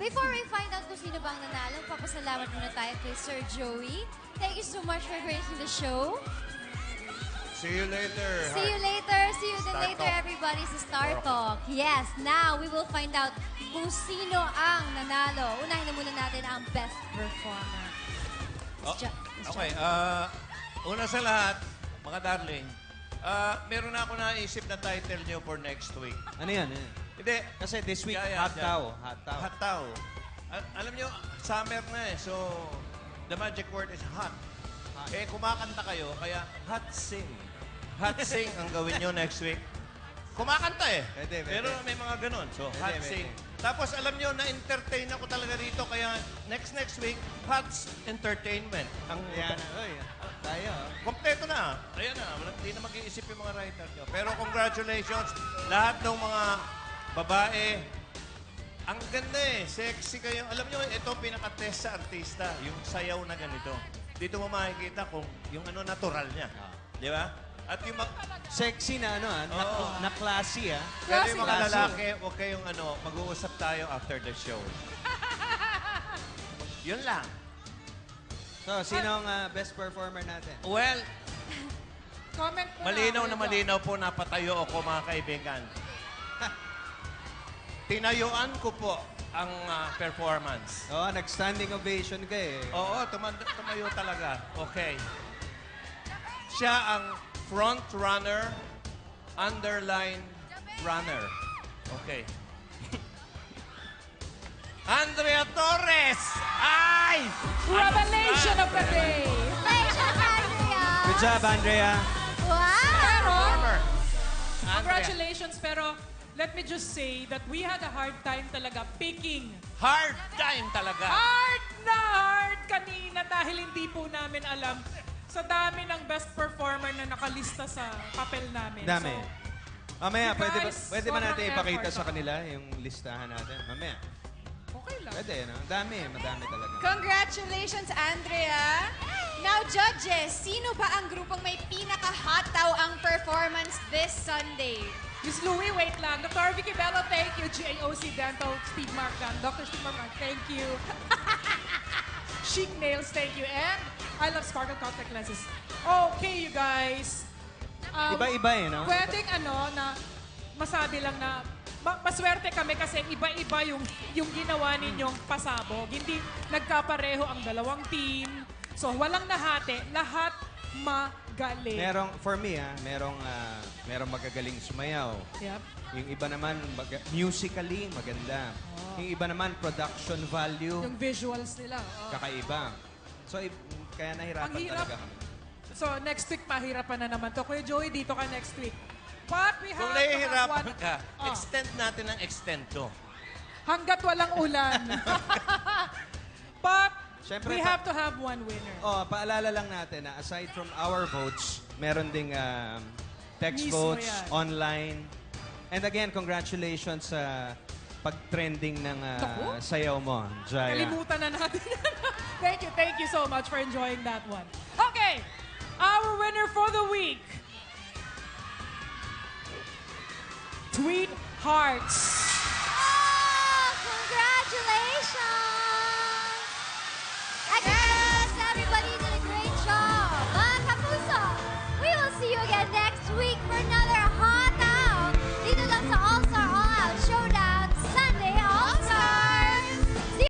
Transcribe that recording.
Before we find out kung sino bang nanalo, papasalamat muna tayo kay Sir Joey. Thank you so much for gracing the show. See you later. See you later. See you then Star later, Talk. everybody, sa Star Talk. Yes, now we will find out kung sino ang nanalo. Unahin na muna natin ang best performer. Okay, una sa lahat, mga darling, meron na ako naisip na title nyo for next week. Ano yan? Hindi. Kasi this week, Kaya, hot yan. tao. Hot tao. Hot tao. Alam nyo, summer na eh. So, the magic word is hot. Eh, kumakanta kayo, kaya hot sing. Hot sing ang gawin nyo next week. Kumakanta eh. Pwede. Pero may mga ganun. So, hot Pwede. sing. Tapos, alam nyo, na-entertain ako talaga rito. Kaya, next week, Hot's Entertainment. Ang Yan. Oy, tayo. kompleto na. Ayan na. Hindi na mag-iisip yung mga writer nyo. Pero congratulations. Lahat ng mga babae, ang ganda eh. Sexy kayo. Alam nyo, ito pinaka-test sa artista. Yung sayaw na ganito. Dito mo makikita kung yung ano natural niya. Di ba? At yung Sexy na ano, na classy ah. pero yung mga lalaki, huwag kayong mag-uusap tayo after the show. Yun lang. So, sino ang best performer natin? Well, Comment mo malinaw na Kuya malinaw po napatayo ako, mga kaibigan. Tinayuan ko po ang performance. Oo, nag-standing ovation ka eh. Oo, tumayo talaga. Okay. Siya ang front runner, underline runner. Okay. Andrea Torres! Ay! Revelation of the day. Congratulations, Andrea! Good job, Andrea. Wow! Pero, Andrea. congratulations, pero let me just say that we had a hard time talaga picking. Hard time talaga. Hard na hard kanina dahil hindi po namin alam sa dami ng best performer na nakalista sa papel namin. Dami. So, Mamaya, you pwede guys, ba natin sobrang ipakita effort, sa ah. kanila yung listahan natin? Mamaya. okay lang. Pwede, no? Madami talaga. Congratulations, Andrea! Now, judges, sino ba ang grupong may pinaka-hot daw ang performance this Sunday? Miss Louie, wait lang. Dr. Vicky Bello, thank you. GAOC Dental, Steve Marcan. Dr. Steve Marcan, thank you. Chic Nails, thank you. And I love Sparkle Contact Lenses. Okay, you guys. Iba-iba eh, no? Pwedeng na masabi lang na maswerte kami kasi iba-iba yung ginawa ninyong pasabog. Hindi nagkapareho ang dalawang team. So, walang nahati. Lahat magaling. For me, merong magagaling sumayaw. Yep. Yung iba naman, musically, maganda. Yung iba naman, production value, Yung visuals nila. Oh. kakaiba. So, kaya nahirapan Ang hirap. talaga kami. So, next week, mahirapan na naman to. Kuya Joey, dito ka next week. But we have Kung to have nahihirapan one... ka, Oh. extend natin ang extend to. Hanggat walang ulan. But Siyempre, we have to have one winner. Oh, paalala lang natin na aside from our votes, meron ding text Mismo votes, yan. online. And again, congratulations sa pag-trending ng Naku. sayaw mo, Jaya. Kalimutan na natin. Thank you so much for enjoying that one. Okay, our winner for the week. Tweet Hearts. Oh, congratulations! Again!